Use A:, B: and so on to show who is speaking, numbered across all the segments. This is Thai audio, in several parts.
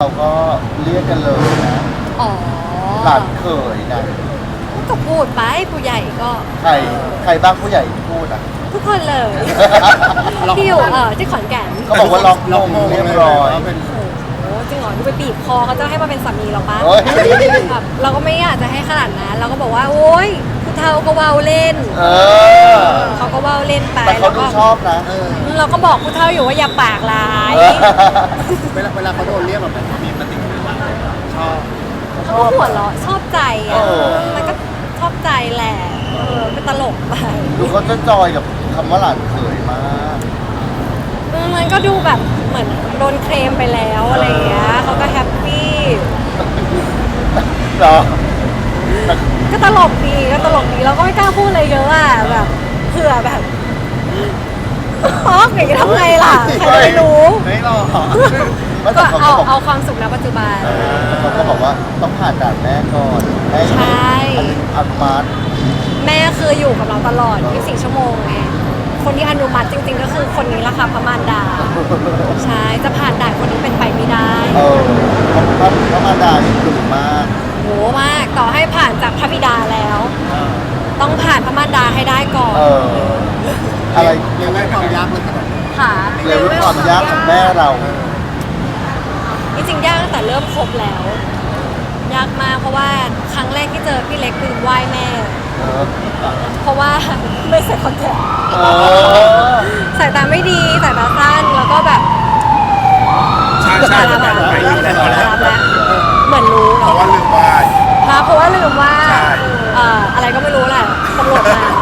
A: เราก็เรียกกันเลยนะ
B: อ๋อ
A: หลานเขยนะ
B: ก็พูดไปผู้ใหญ่ก็
A: ใครบ้างผู้ใหญ่พูดอ่ะ
B: ทุกคนเลย ที่อยู่ที่ขอนแก่น
A: ก็บอกว่าล็อกมงเรียบร้อย
B: โอ้จริงเหรอดูไปบีบคอเขาจะให้มาเป็นสามีเราปะ
A: โอ๊ย
B: แบบเราก็ไม่อยากจะให้ขนาดนั้นเราก็บอกว่าโอ๊ยผู้เฒ่าก็เว้าเล่น เขาก็เว้าเล่นไป
A: แต่เขาดูชอบนะ
B: เราก็บอกผู้เฒ่าอยู่ว่าอย่าปากร้าย
C: เวลาเขาโดนเรียกแบบนั้นเขามีปฏิกิริยาชอบ
B: เขาก็หัวเราะชอบใจอ่ะมันก็ชอบใจแหละเป็นตลกไป
A: ดูเขาจะจอยกับคำว่าหลานเขยมาก
B: มันก็ดูแบบเหมือนโดนเคลมไปแล้วอะไรอย่างเงี้ยเขาก็แฮปปี้
A: เหรอ
B: ก็ตลกดีเราก็ไม่กล้าพูดอะไรเยอะอ่ะแบบเผื่อแบบป๊อกอย่างนี้ทำไงล่ะใครจะไม่รู้
C: ไม่หรอก
A: ไม่
B: ก็
A: แต่เขาก็บอก
B: เอาความสุขณปัจจุบัน
A: เขาก็บอกว่าต้องผ่านด่านแม่ก่อนให้
B: ใช่
A: อนุมัติ
B: แม่คืออยู่กับเราตลอด 24 ชั่วโมงไงคนที่อนุมัติจริงๆก็คือคนนี้ละค่ะพระมารดาใช่จะผ่านด่านคนนี้เป็นไปไม่ได้
A: พระมารดานี่ดุมาก
B: โหมากต่อให้ผ่านจากพระบิดาแล้ว ต้องผ่านพระมารดาให้ได้ก่อน
A: อะไร
C: เรียกได้ความยากเลยขนาดนี้
B: ค่ะ
A: เรียกว่าความยากของแม่เรา
B: จริงๆยากตั้งแต่เริ่มคบแล้ว ยากมากเพราะว่าครั้งแรกที่เจอพี่เล็กคือไหว้แม่ เพราะว่าไม่ใส่คอนแทคสายตาไม่ดีสายตาสั้นแล้วก็แบบ
C: ใช่ใช่
B: รับ
C: ไปดีแล้ว
B: แล้วเหมือนรู้
C: เพราะว่าลืมไหว้
B: เพราะว่าลืมว่า
C: ใช่
B: อะไรก็ไม่รู้แหละตำรวจมา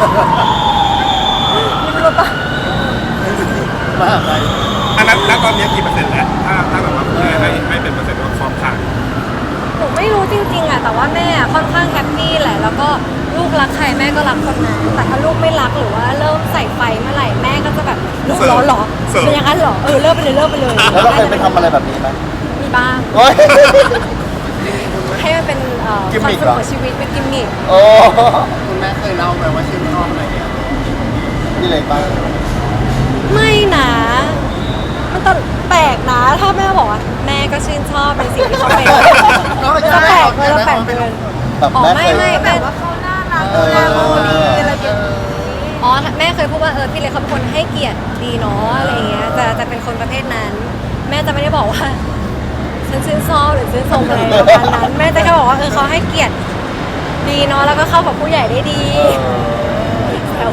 B: ไม่รู้ปะ
C: มากไป
D: อันนั้นณตอนนี้กี่เปอร์เซ็นต์แล้วถ้าแบบว่าให้เป็นเปอร์เซ็นต์ว่าพร้อมผ่าน
B: หนูไม่รู้จริงๆอะแต่ว่าแม่ค่อนข้างแฮปปี้แหละแล้วก็ลูกรักใครแม่ก็รักคนนั้นแต่ถ้าลูกไม่รักหรือว่าเริ่มใส่ไฟเมื่อไหร่แม่ก็จะแบบลูกร้อนเหรอเป็นอย่างนั้นเหรอเลิกไปเลย
A: แล้วเราเคยไปทำอะไรแบบนี้ไหม
B: มีบ้าง
A: โอ๊ย
B: ให้มันเป็น
A: กิม
B: ความ
A: มิค
B: สุ
A: เหร
B: ข
A: อ
B: ของชีวิตเป็นกิมมิค
A: โอ้
C: คุณแม่เคยเล่าไหมว่าชื่นชอบอะไรเนี่ย
A: นี่เลยบ้าง
B: ไม่นะมันตแปลกนะถ้าแม่บอกว่าแม่ก็ชื่นชอบในสิ่งที่เขาเป็นจะแปลกเลยจะแปลกเกิน
A: แบบ
B: อ๋อ
A: แม่
B: ไม่
A: เคย
B: แม่
E: ว่าเขาน่ารัก
A: เอ
E: ดูแลเราดี
A: อ
E: อะไรอย่างนี้
B: อ๋อแม่เคยพูดว่าพี่เล็กเขาเป็นคนให้เกียรติดีเนาะอะไรอย่างเงี้ยจะเป็นคนประเภทนั้น แม่จะไม่ได้บอกว่าฉันชื่นชอบหรือชื่นชมอะไรประมาณนั้นแม่จะแค่บอกว่าเขาให้เกียรติดีเนาะแล้วก็เข้ากับผู้ใหญ่ได้ดีแซว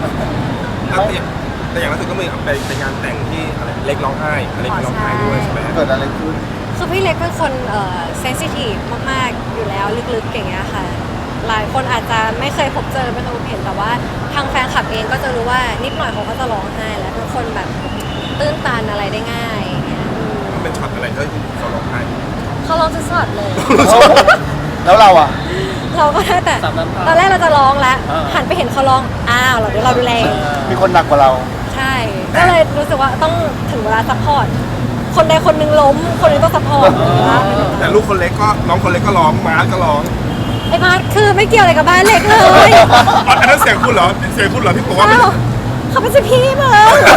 D: แต่อย่างล่าสุดก็มีไปงานแต่งที่อะไรเล็กร้องไห้อะไรร้องไห้ด้วยใช่ไหม
A: เกิดอะไรขึ้น
B: คือพี่เล็กเป็นคนเซนซิทีฟมากๆอยู่แล้วลึกๆอย่างเงี้ยค่ะหลายคนอาจจะไม่เคยพบเจอไม่เคยพบเห็นแต่ว่าทางแฟนคลับเองก็จะรู้ว่านิดหน่อยเขาก็จะร้องไห้แล้วเป็นคนแบบตื้นตันอะไรได้ง่ายอย่างเงี้ย
D: มันเป็นช็อตอะไรที่เขาร้องไห้
B: เขาร้องจะสดเลย
A: แล้วเราอ่ะ
B: เราก็ได้แต่ตอนแรกเราจะร้องแล้วหันไปเห็นเขาร้องอ้าวเดี๋ยวเราดูแล
A: มีคนหนักกว่าเรา
B: ใช่ก็เลยรู้สึกว่าต้องถึงเวลาซัพพอร์ตคนใดคนหนึ่งล้มคนหนึงต้องซัพพอร์ต
D: แต่ลูกคนเล็กก็น้องคนเล็กก็ร้องมาร์ทก็ร้อง
B: ไอ้มาร์ทคือไม่เกี่ยวอะไรกับบ้านเล็กเลย
D: อันนั้นเสียงคุณเหรอเสียงคุณเหรอที่บอกว่า
B: อ้าวเขาเป็นสิพี่มึง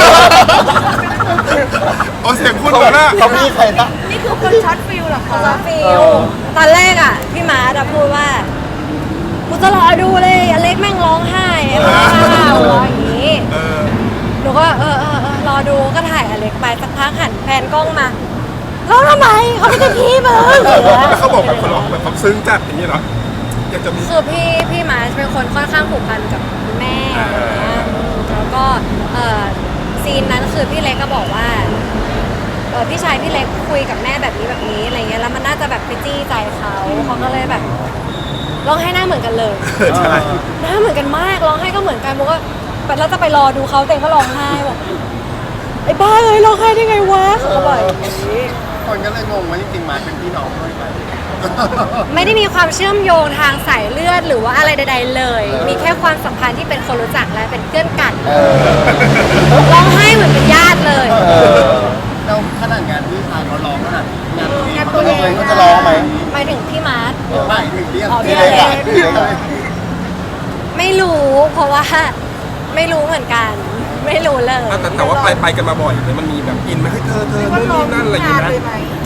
D: อ๋อเสียงคุณเหรอนะ
A: เขามีใครนะ
E: นี่คือคนช็อตฟิลเหรอคะ
B: ซอฟิลตอนแรกอ่ะพี่มาร์ทอะพูดว่ากูจะรอดูเลยอเล็กแม่งร้องไห้ไอ้บ้าร้องอย่างนี้
D: เออ
B: หนูก็รอดูก็ถ่ายอเล็กไปสักพักหันแฟนกล้องมาร้องทำไมเขาไม่ใช่พี่มึง
D: แล้วเขาบอกแบบเขาร้องแบบเขาซึ้งจัดอย่างนี้เหรออยากจะมี
B: คือพี่มาร์ชเป็นคนค่อนข้างผูกพันกับคุณแม่แล้วก็ซีนนั้นคือพี่เล็กก็บอกว่าพี่ชายพี่เล็กคุยกับแม่แบบนี้อะไรเงี้ยแล้วมันน่าจะแบบไปจี้ใจเขาก็เลยแบบร้องไห้หน้าเหมือนกันเลย
D: ใช่
B: หน้าเหมือนกันมากร้องไห้ก็เหมือนกันโมก็แล้วจะไปรอดูเขาแต่ก็ร้องไห้บอกไอ้บ้าเลยร้องไห้ได้ไงวะเขาก็บอกอย่างนี้
C: คนก็เลยงงว่าจริงๆมาเป็นพี่น้องด้วยกัน
B: ไม่ได้มีความเชื่อมโยงทางสายเลือดหรือว่าอะไรใดๆเลย มีแค่ความสัมพันธ์ที่เป็นคนรู้จักและเป็นเพื่อนกันร้องไห้เหมือนเป็นญาติเลย
C: เราขนาดงานพี่ชายเขาร้องขนาดงาน
A: ตัวเองก็จะร้องไหม
B: หมายถึงพี่มาร์ท
C: ไม่ถึงเรียก
B: อ๋อ
A: พี่เล็กอะพี่เล็กอะ
B: ไม่รู้เพราะว่าไม่รู้เหมือนกัน ไม่รู้เลย
D: แต่ว่าไปกันมาบ่อยเลยมันมีแบบอินไหมให้เธอนู่นนี่นั่นอะไรอย่าง
E: งาน
D: เงี้ย
E: เลยไหม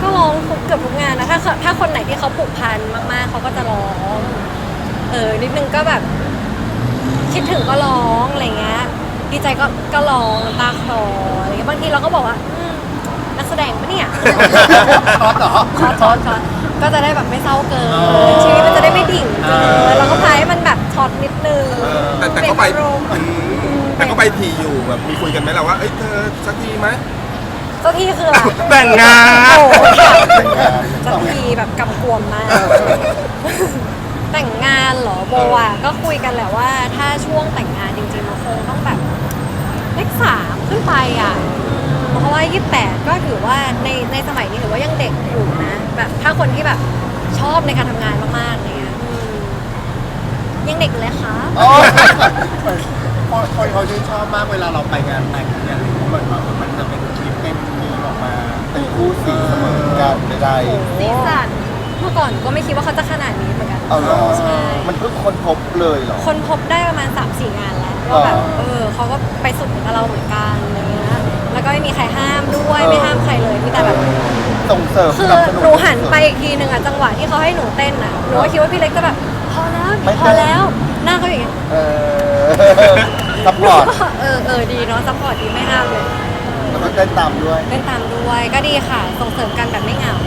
B: ก็ร้องเกือบทุกงานนะถ้าคนไหนที่เขาผูกพันมากๆเขาก็จะร้องนิดนึงก็แบบคิดถึงก็ร้องอะไรเงี้ยดีใจก็ร้องน้ำตาคลออะไรเงี้ยบางทีเราก็บอกว่านักแสดงปะเนี่ย
C: ช็อตเหรอ
B: ช็อตก็จะได้แบบไม่เศร้าเกินชีวิตมันจะได้ไม่ดิ่งเกินเราก็พายให้มันแบบช็อตนิดนึง
D: แต่ก็ไปแต่ก็ไปทีอยู่แบบมีคุยกันไหมล่ะว่าเอ้ยเธอสักทีไหม
B: เจ้าที่คืออะไร
D: แต่งงาน
B: โอ้ค่ะเจ้าที่แบบกำกวมมาก แต่งงานเหรอโบอ่ะก็คุยกันแหละว่าถ้าช่วงแต่งงานจริงๆมันคงต้องแบบเลข3ขึ้นไปอ่ะเพราะว่า28ก็ถือว่าในสมัยนี้ถือว่ายังเด็กอยู่นะแบบถ้าคนที่แบบชอบในการทำงานมากๆอะไรเงี้ยยังเด็กอยู่เลยค่ะ
A: อ๋อ
C: คนเขาชื่นชอบมากเวลาเราไปงานแต่งเนี่ยมันจะเป็นคลิปเป็นมีออกมา
A: เป็นคู่สีเสมอกันไม่ได้
B: สีสันเมื่อก่อนก็ไม่คิดว่าเขาจะขนาดนี้เหมือนกัน
A: เอาเหรอ
B: ใช่
A: มันเพิ่งค้นพบเลยเหรอ
B: คนพบได้ประมาณ 3-4 งานแล้วว่าแบบเขาก็ไปสุดเหมือนกับเราเหมือนกันอะไรเงี้ยแล้วก็ไม่มีใครห้ามด้วยไม่ห้ามใครเลยมีแต่แบบ
A: ส่งเสริม
B: คือ
A: สนับสนุ
B: หนูหันไปอีกทีหนึ่งอะจังหวะที่เขาให้หนูเต้นอะหนูก็คิดว่าพี่เล็กจะแบบพอแล้ว
A: ไม่
B: พอแล้วหน้าเขาอย่างเงี้ย
A: ซัพพอร์ต
B: ดีเนาะซัพพอร์ตดีไม่ห้ามเลย
A: แล้วก็เต้นตามด้วย
B: เล่นตามด้วยก็ดีค่ะส่งเสริมกันแบบไม่เหงา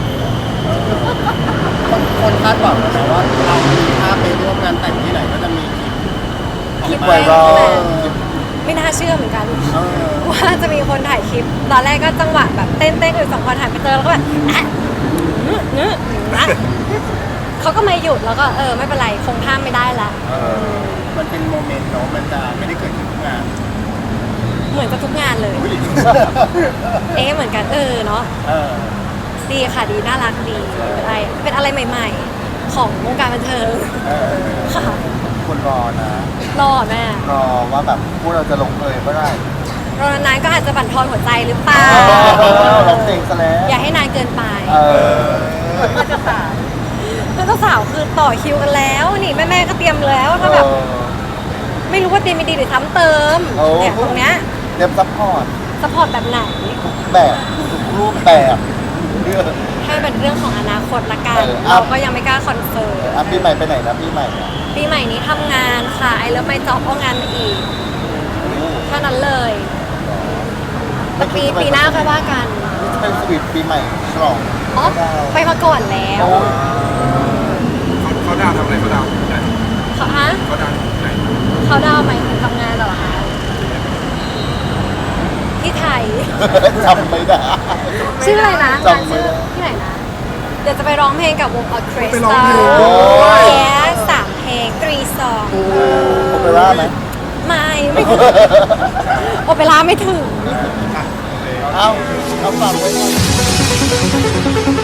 C: คนคาดหวังนะว่าเราถ้าไปร่วมงานแต่งที่ไหนก็จะมีคลิป
A: ไวรัล
B: ไม่น่าเชื่อเหมือนกัน
C: เออ
B: ว่าจะมีคนถ่ายคลิป ตอนแรกก็จังหวะแบบเต้นอยู่2 คนหันไปเจอแล้วก็แบบเขาก็ไม่หยุดแล้วก็ไม่เป็นไรคงห้ามไม่ได้ละ
C: มันเป็นโมเมนต์เนาะมันจะไม่ได้เกิดขึ้นทุกงาน
B: เหมือนกับทุกงานเลย เหมือนกันเนาะ
C: เออ
B: ดีค่ะดีน่ารักดีเป็นอะไรใหม่ ๆ ของวงการบันเทิง ค่ะ
A: คนรอนะ
B: รอแม่
A: รอว่าแบบพวกเราจะลงเอยเมื่อไหร่
B: รอนานๆก็อาจจะบั่นทอนหัวใจหรือเปล่า
A: ร้องเพลงซะแล้ว
B: อย่าให้นานเกินไป
A: เพื่อนจะสาว
B: เพื่อนเจ้าสาวคือต่อคิวกันแล้วนี่แม่ๆก็เตรียมแล้วถ้าแบบไม่รู้ว่าเตรียมไม่ดีหรือซ้ำเติมเนี่ยตรงเนี้ย
A: เตรียมซัพพอร์ต
B: สปอร์ตแบบไหน
A: ทุกแบบทุกรูปแบบเรื่อง
B: ให้เป็นเรื่องของอนาคตละกัน
A: อ่ะ
B: เราก็ยังไม่กล้าคอนเฟิร์ม
A: อ่ะปีใหม่ไปไหนนะปีใหม่อ่ะ
B: ปีใหม่นี้ทำงานค่ะไอเลิฟไม่จ็อบเอางานมาอีกเท่านั้นเลยแต่ปีหน้าค่อยว่ากัน
A: นี่จะเป็นสวีทปีใหม่ฉลอง
B: อ๋อไปมาก่อนแล้ว
A: โอ้
D: เขาดาวทำอะไรเขาดาวไหน
B: ฮะ
D: เขาดาวไหน
B: เขาดาวน์หมายถึงทำงานเหรอคะที่ไทย
A: จำไม่ได้
B: ชื่ออะไรนะ
A: จำ
B: งาน
A: ไม่
B: ชื่อ
A: ได้
B: ที่ไหนนะ เดี๋ยวจะไปร้องเพลงกับวงออเคส
D: ไป
B: ต
D: ร้อง
B: รา
D: เพลง
B: แย่3 เพลง3 ซอง
A: โอเปร่าไหม
B: ไม่ถึงโอเปร่าไม่ถึง
A: เอาฝากไว้ก่อน